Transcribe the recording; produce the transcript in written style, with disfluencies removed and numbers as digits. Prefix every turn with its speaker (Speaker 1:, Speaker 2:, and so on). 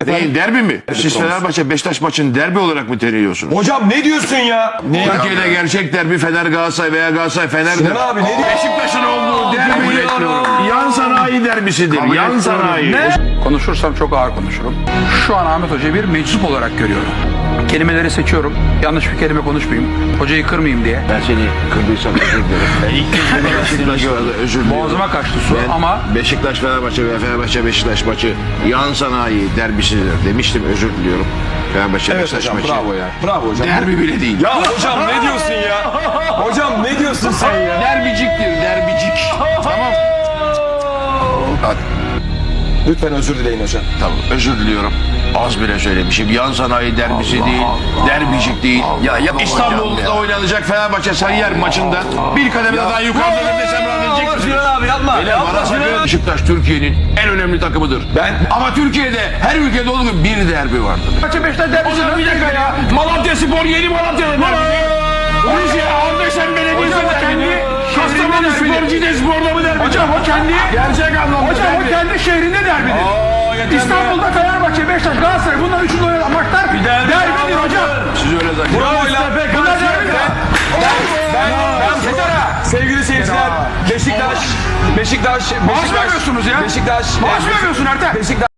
Speaker 1: Değil, derbi mi? Siz Fenerbahçe Beşiktaş maçını derbi olarak mı teriyorsunuz?
Speaker 2: Hocam ne diyorsun ya?
Speaker 1: Türkiye'de gerçek derbi Fener Galatasaray veya Galatasaray Fener'dir.
Speaker 2: Sinan abi ne diyorsun?
Speaker 1: Beşiktaş'ın olduğu derbi yan sanayi derbisidir. Yan sanayi.
Speaker 3: Konuşursam çok ağır konuşurum. Şu an Ahmet Hoca'yı bir meczup olarak görüyorum. Kelimeleri seçiyorum. Yanlış bir kelime konuşmayayım. Hocayı kırmayayım diye.
Speaker 1: Ben seni kırdıysam özür dilerim. İlk kez özür dilerim.
Speaker 3: Boğazıma kaçtı su ama
Speaker 1: Beşiktaş Fenerbahçe ve Fenerbahçe Beşiktaş maçı yan sanayi derbisidir demiştim, özür diliyorum. Fenerbahçe Beşiktaş maçı.
Speaker 2: Bravo ya. Bravo hocam.
Speaker 1: Derbi bile değil.
Speaker 2: Ya hocam ne diyorsun ya? Hocam ne diyorsun sen ya?
Speaker 1: Derbiciktir, derbicik. Tamam. Hadi.
Speaker 2: Lütfen özür dileyin hocam.
Speaker 1: Tamam, özür diliyorum. Az bile söylemişim. Yan sanayi derbisi değil, derbicik değil. İstanbul'da oynanacak Fenerbahçe Sarıyer maçında bir kademe daha yukarıda desem rahat edecek misiniz?
Speaker 2: abi yapma.
Speaker 1: Beşiktaş Türkiye'nin en önemli takımıdır. Ama Türkiye'de her ülkede olduğu gibi bir derbi vardır. Fenerbahçe Beşiktaş derbisi. Bir dakika ya. Malatya Spor, Yeni Malatya'da derbi. Rize, Andeşen Belediyesi derbi. Kastamonu Spor, Cide Spor'da mı derbi? Hocam o kendi gerçek anlamda hocam o kendi şehrinde derbidir. İstanbul'da Fenerbahçe, Beşiktaş, Galatasaray bunlar üçünde oynanan maçlar derbidir hocam. Siz öyle zannediyorsunuz.
Speaker 2: Bravo lan.
Speaker 1: Bunlar derbidir.
Speaker 2: Sevgili seyirciler, Beşiktaş.
Speaker 3: Maaş vermiyorsunuz ya.
Speaker 2: Beşiktaş.
Speaker 3: Maaş vermiyorsun Ertem.
Speaker 2: Beşiktaş.